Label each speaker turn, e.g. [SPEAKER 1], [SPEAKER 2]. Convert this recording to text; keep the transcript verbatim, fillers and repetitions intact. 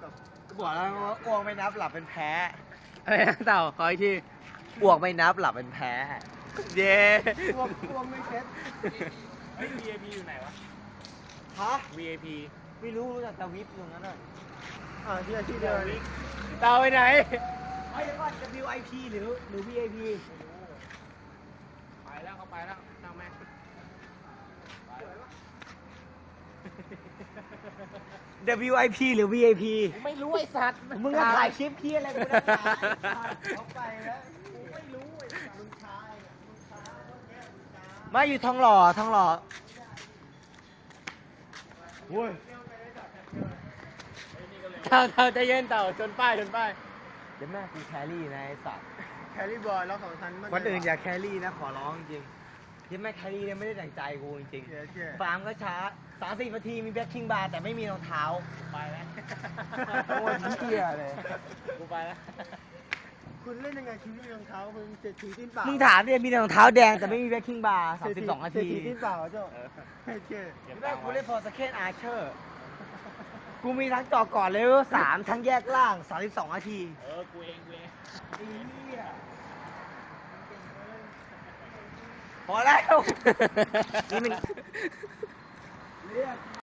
[SPEAKER 1] ก็บอกแล้วว่าอ้วกไม่นับหลับเป็นแพ้
[SPEAKER 2] อะไรนะเต่าขออีกที
[SPEAKER 1] อ้วกไม่นับหลับเป็นแพ้
[SPEAKER 2] เย้
[SPEAKER 1] อ้วกอ้วกไม่เช็ด
[SPEAKER 2] เฮ้ย วี ไอ พี อยู่ไหนวะ
[SPEAKER 1] ฮะ
[SPEAKER 2] วี ไอ พี
[SPEAKER 1] ไม่รู้รู้จักแต่วิปอยู่งั้นน่ะอ่าที่ที่เดี
[SPEAKER 2] เดี๋
[SPEAKER 1] ย
[SPEAKER 2] ยว ววิเต่าไปไหน
[SPEAKER 1] ไอ้เดี๋ยวก่อน ดับเบิลยู ไอ พี หรือหรือ วี ไอ พี
[SPEAKER 2] ไปแล้วเขาไปแล้วช่างแม่งไปแล้ว
[SPEAKER 1] ดับเบิลยู ไอ พี หรือ วี ไอ พี
[SPEAKER 2] ไม่รู้ไอ้สัตว์
[SPEAKER 1] มึงก็ถ่ายคลิปเพี้ยอะไรกูได้ถ่ายเขาไปแล้วกูไม่รู้ไอ้มึงช้าไอ้มึงช้าเมื่อกี้มึงช้าไม่อยู่ทองหล่อทองหล่อโว้ย
[SPEAKER 2] เต่าเต่าใจเย็นเต่าชนป้ายชนป้าย
[SPEAKER 1] เดี๋ยวแม่กูแครี่นะไอ้สัตว์
[SPEAKER 3] แครี่บอยแล้วของทัน
[SPEAKER 1] คนอื่นอย่าแครี่นะขอร้องจริงที่แม่แครี่เนี่ยไม่ได้ดั่งใจกูจริง
[SPEAKER 3] เชี่ยเชี่ย
[SPEAKER 1] ๆฟาร์มก็ช้าสามสิบนาทีมีแบ็คคิงบาร์แต่ไม่มีรองเท้า
[SPEAKER 2] ไปแล้ว
[SPEAKER 1] โอ้ยเหี้ยเลย
[SPEAKER 2] กูไปแล้ว
[SPEAKER 3] คุณเล่นยังไงชีวิตรองเท้ามึงเจ็ดทีติ้นเปล่า
[SPEAKER 1] มึงถามเนี่ยมีแต่รองเท้าแดงแต่ไม่มีแบ็คคิงบาร์สามสิบสองนา
[SPEAKER 3] เจ็ด
[SPEAKER 1] ที
[SPEAKER 3] ทีติ้นเปล่าเจ้าเฮ้ยเชี่ย
[SPEAKER 1] แม่กูเล่นฟอร์สเคนอาร์เชอร์กูมีทั้งจอก่อนเลเวลสามทั้งแยกล่างสามสิบสองนาที
[SPEAKER 2] เออ กูเองกูเอง
[SPEAKER 1] ไอ้เหี้ยพอแล้วนี่มัน